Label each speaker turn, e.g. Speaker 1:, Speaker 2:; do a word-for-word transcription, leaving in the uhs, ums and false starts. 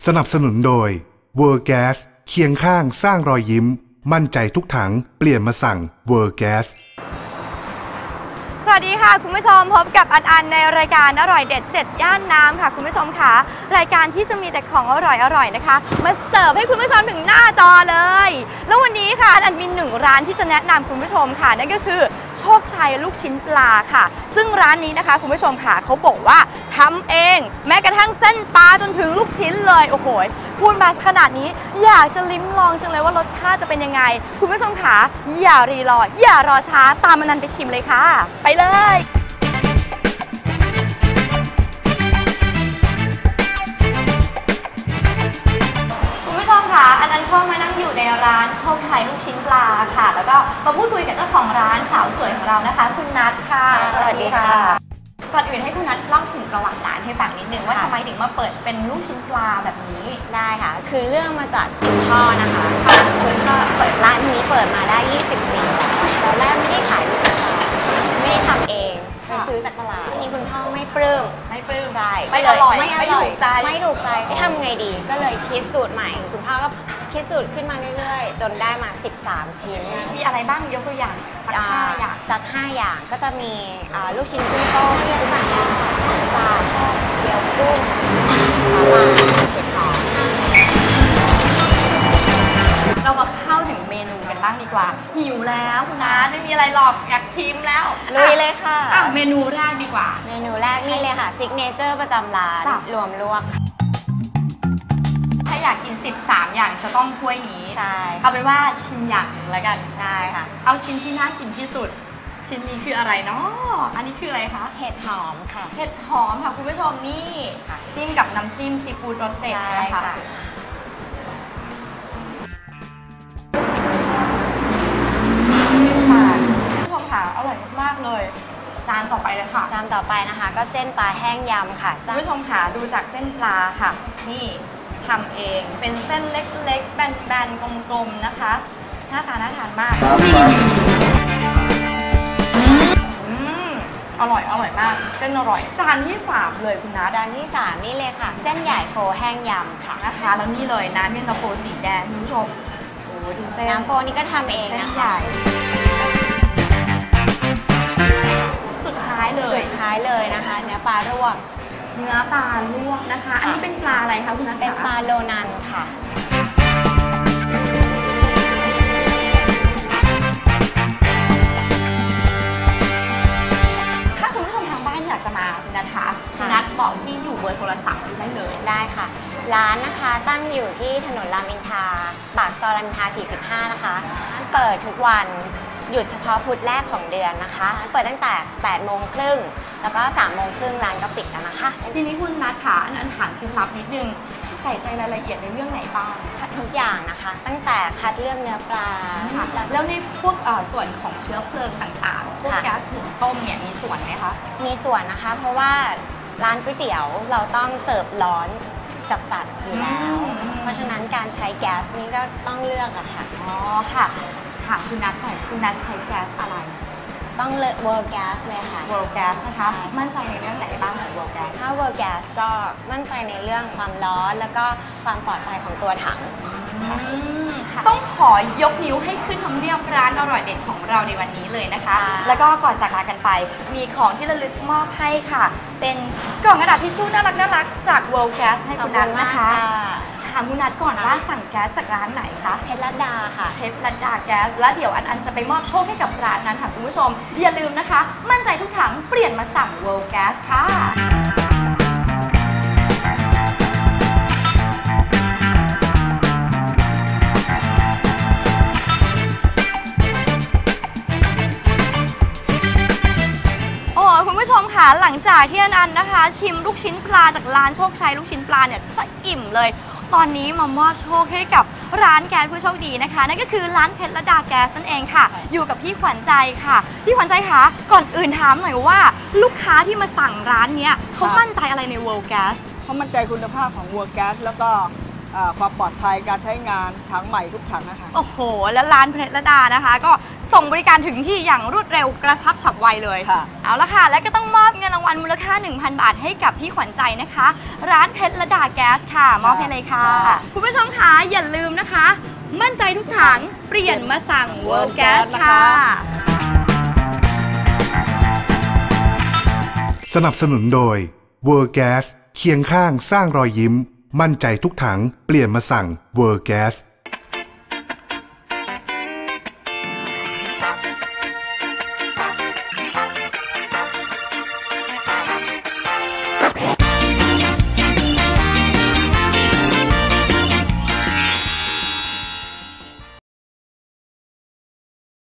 Speaker 1: สนับสนุนโดย World Gas เคียงข้างสร้างรอยยิ้มมั่นใจทุกถังเปลี่ยนมาสั่ง World Gas
Speaker 2: สวัสดีค่ะคุณผู้ชมพบกับอันอันในรายการอร่อยเด็ดเจ็ดย่านน้ำค่ะคุณผู้ชมค่ะรายการที่จะมีแต่ของอร่อยอร่อยนะคะมาเสิร์ฟให้คุณผู้ชมถึงหน้าจอเลยแล้ววันนี้ค่ะอันมีหนึ่งร้านที่จะแนะนำคุณผู้ชมค่ะนั่นก็คือโชคชัยลูกชิ้นปลาค่ะซึ่งร้านนี้นะคะคุณผู้ชมค่ะเขาบอกว่าทำเองแม้กระทั่งเส้นปลาจนถึงลูกชิ้นเลยโอ้โหพูดมาขนาดนี้อยากจะลิ้มลองจังเลยว่ารสชาติจะเป็นยังไงคุณผู้ชมค่ะอย่ารีรออย่ารอช้าตามอันนันไปชิมเลยค่ะไปเลยคุณผู้ชมค่ะอันนั้นก็มานั่งอยู่ในร้านโชคชัยลูกชิ้นปลาค่ะแล้วก็มาพูดคุยกับเจ้าของร้านสาวสวยของเรานะคะคุณนัทค่ะสวัสดีค่ะก่อนอื่นให้คุณนัทเล่าถึงประวัติร้านให้ฟังนิดนึงว่าทำไมถึงมาเปิดเป็นลูกชิ้นปลาแบบนี้
Speaker 3: ได้ค่ะคือเรื่องมาจากคุณพ่อนะคะคุณพ่อเปิดร้านนี้เปิดมาได้ยี่สิบปีตอนแรกไม่ได้ขายลูกชิ้นปลาไม่ได้ทำเองไปซื้อจากตลาดทีนี้คุณพ่อไม่ปลื้ม
Speaker 2: ไม่ปลื้ม
Speaker 3: ใช่
Speaker 2: ไม่อร่อย
Speaker 3: ไม่ถูกใจไม่ถูกใจทำไงดีก็เลยคิดสูตรใหม่คุณพ่อก็คิดสูตรขึ้นมาเรื่อยๆจนได้มาสิบสามชิ้น
Speaker 2: มีอะไรบ้างยกตัวอย่างสักห้าอย่าง
Speaker 3: สักห้าอย่างก็จะมีลูกชิ้นกุ้งต้มกุ้งหมักซาเกี๊ยวกุ้งปลาเผ็ดหอม
Speaker 2: เรามาเข้าถึงเมนูกันบ้างดีกว่าหิวแล้วคุณนัทไม่มีอะไรหรอกอยากชิมแล้ว
Speaker 3: ลุยเลยค่ะ
Speaker 2: เมนูแรกดีกว่า
Speaker 3: เมนูแรกนี่เลยค่ะซิกเนเจอร์ประจำร้านรวมลวก
Speaker 2: ถ้าอยากกินสิบสามอย่างจะต้องถ้วยนี้
Speaker 3: ใช่
Speaker 2: เอาเป็นว่าชิมอย่างหนึ่งแล้วกัน
Speaker 3: ได้ค่ะ
Speaker 2: เอาชิ้นที่น่ากินที่สุดชิ้นนี้คืออะไรเนาะอันนี้คืออะไรคะ
Speaker 3: เห็ดหอมค่ะ
Speaker 2: เห็ดหอมค่ะคุณผู้ชมนี่จิ้มกับน้ำจิ้มซีฟู้ดรสเด็ดนะคะคุณผู้ชมค่ะอร่อยมากๆเลยจานต่อไปเลยค่ะ
Speaker 3: จานต่อไปนะคะก็เส้นปลาแห้งยำค่ะ
Speaker 2: คุณผู้ชมค่ะดูจากเส้นปลาค่ะนี่ทำเองเป็นเส้นเล็กๆแบนๆกลมๆนะคะหน้าตาน่าทานมากอืมอร่อยอร่อยมากเส้นอร่อยจานที่สามเลยคุณนัท
Speaker 3: จานที่สามนี่เลยค่ะเส้นใหญ่โฟแห้งยำค่ะ
Speaker 2: นะคะแล้วนี่เลยน้ำเย็นตาโฟสีแดงคุณผู้ชมโอ้ดูเส้น
Speaker 3: น้ำโฟนี่ก็ทำเองนะคะ
Speaker 2: สุดท้ายเลย
Speaker 3: สุดท้ายเลยนะคะเนื้อปลาลวก
Speaker 2: เนื้อปลาลวกนะคะอันนี้เป็นปลาอะไรคะคุณนัท
Speaker 3: เป็นปลาโลนันค่ะ
Speaker 2: ถ้าคุณผู้ชมทางบ้านอยากจะมาคุณนัทคะคุณนัทบอกที่อยู่เบอร์โทรศัพท์ได้เลย
Speaker 3: ได้ค่ะร้านนะคะตั้งอยู่ที่ถนนรามอินทราปากซอยรามอินทราสี่สิบห้านะคะเปิดทุกวันหยุดเฉพาะพุธแรกของเดือนนะคะเปิดตั้งแต่แปดโมงครึ่งแล้วก็สามโมงครึ่งร้านก็ปิดแล้วนะคะ
Speaker 2: ทีนี้คุณนัทค่ะอันนั้นถามเคล็ดลับนิดนึงใส่ใจรายละเอียดในเรื่องไหนบ้าง
Speaker 3: ทุกอย่างนะคะตั้งแต่คัดเลือกเนื้อปลา
Speaker 2: แล้วในพวกส่วนของเชื้อเพลิงต่างๆพวกแก๊สหุงต้มเนี่ยมีส่วนไหมคะ
Speaker 3: มีส่วนนะคะเพราะว่าร้านก๋วยเตี๋ยวเราต้องเสิร์ฟร้อนจัดๆอยู่แล้วเพราะฉะนั้นการใช้แก๊สนี่ก็ต้องเลือกอะค่ะ
Speaker 2: อ๋อค่ะถามคุณนัทหน่อยคุณนัทใช้แก๊สอะไร
Speaker 3: ต้องเลือก World Gas เลยค่ะ
Speaker 2: World Gas นะคะมั่นใจในเรื่องไหนบ้างของ World Gas
Speaker 3: ถ้า World Gas ก็มั่นใจในเรื่องความร้อนแล้วก็ความปลอดภัยของตัวถัง
Speaker 2: ต้องขอยกนิ้วให้ขึ้นทำเนียบร้านอร่อยเด็ดของเราในวันนี้เลยนะคะแล้วก็ก่อนจากลากันไปมีของที่ระลึกมอบให้ค่ะเป็นกล่องกระดาษทิชชู่น่ารักน่ารักจาก World Gas ให้คุณนัทนะคะถามคุณนัทก่อนว่าสั่งแก๊สจากร้านไหนคะ
Speaker 3: เพชรลัดดาค่ะ
Speaker 2: เพชรลัดดาแก๊สแล้วเดี๋ยวอันอันจะไปมอบโชคให้กับร้านนั้นค่ะคุณผู้ชมอย่าลืมนะคะมั่นใจทุกถังเปลี่ยนมาสั่ง World Gas ค่ะคุณผู้ชมค่ะหลังจากที่อันอันนะคะชิมลูกชิ้นปลาจากร้านโชคชัยลูกชิ้นปลาเนี่ยสะอิ่มเลยตอนนี้มามอบโชคให้กับร้านแก๊สผู้โชคดีนะคะนั่นก็คือร้านเพชรลัดดาแก๊สนั่นเองค่ะอยู่กับพี่ขวัญใจค่ะพี่ขวัญใจคะก่อนอื่นถามหน่อยว่าลูกค้าที่มาสั่งร้านนี้เขามั่นใจอะไรใน World Gas
Speaker 4: เขามั่นใจคุณภาพของ World Gas แล้วก็ความปลอดภัยการใช้งานถังใหม่ทุกถังนะคะ
Speaker 2: โอ้โหแล้วร้านเพชรลัดดานะคะก็สส่งบริการถึงที่อย่างรวดเร็วกระชับฉับไวเลย
Speaker 4: ค่ะ
Speaker 2: เอาละค่ะและก็ต้องมอบเงินรางวัลมูลค่า หนึ่งพัน บาทให้กับพี่ขวัญใจนะคะร้านเพชรระดาแก๊สค่ะมอบให้เลยค่ะคุณผู้ชมคะอย่าลืมนะคะมั่นใจทุกถังเปลี่ยนมาสั่ง World Gas ค่ะ
Speaker 1: สนับสนุนโดย World Gas เคียงข้างสร้างรอยยิ้มมั่นใจทุกถังเปลี่ยนมาสั่ง World Gas